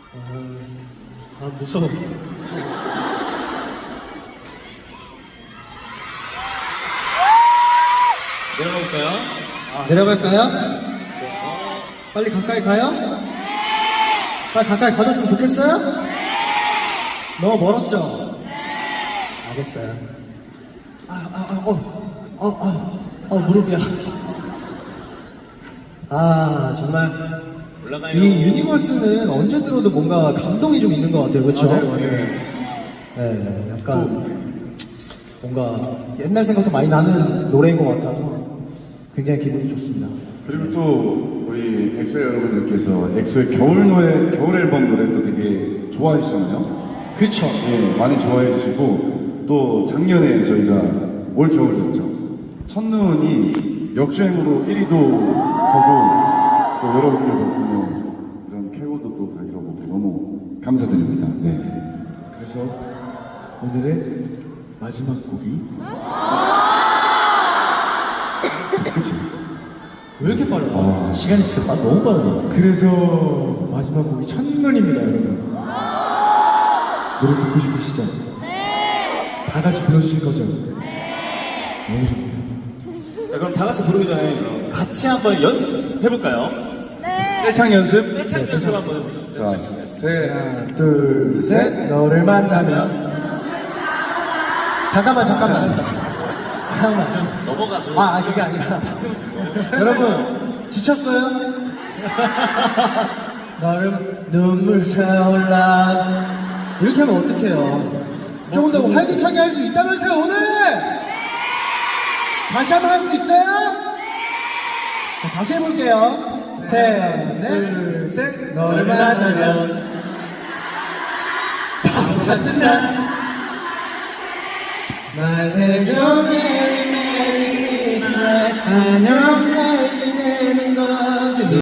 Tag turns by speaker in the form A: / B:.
A: 무서워.
B: 내려가볼까요?
A: 내려갈까요? 빨리 가까이 가요? 빨리 가까이 가줬으면 좋겠어요? 너무 멀었죠? 알겠어요. 무릎이야. 정말.
B: 올라가요.
A: 이 유니버스는 언제 들어도 뭔가 감동이 좀 있는 것 같아요. 그렇죠?
C: 맞아요.
A: 네, 약간 뭔가 옛날 생각도 많이 나는 노래인 것 같아서 굉장히 기분이 좋습니다.
C: 그리고 또 우리 엑소의 여러분들께서 엑소의 겨울 노래, 겨울 앨범 노래도 되게 좋아하시잖아요.
A: 그쵸?
C: 예, 많이 좋아해 주시고 또 작년에 저희가 올 겨울이었죠. 첫눈이 역주행으로 1위도 하고 또 여러분들 덕분에 이런 쾌거도 또 다 이뤄보고 너무 감사드립니다. 네.
D: 그래서 오늘의 마지막 곡이 그치?
A: 왜 이렇게 빨라?
B: 시간이 진짜 너무 빠르네.
D: 그래서 마지막 곡이 첫눈입니다, 여러분. 노래 듣고 싶으시죠? 네. 다 같이 불러주실 거죠? 네. 너무 좋네요.
B: 자, 그럼 다 같이 부르기 전에 그럼 같이 한번 연습해볼까요?
C: 떼창 연습.
B: 떼창 연습 한번 해보죠.
C: 자, 셋.
D: 하나, 둘, 셋. 너를 만나면
A: 잠깐만.
B: 넘어가서.
A: 그게 아니라. 여러분, 지쳤어요? 너를 눈물 차올라. 이렇게 하면 어떡해요? 조금 더 활기차게 할 수 있다면서요, 오늘! 다시 한번 할 수 있어요? 자, 다시 해볼게요. 셋, 넷, 셋. 너를 만나면 바보 같은 날 말 해줘 메리 메리 크리스마스 안녕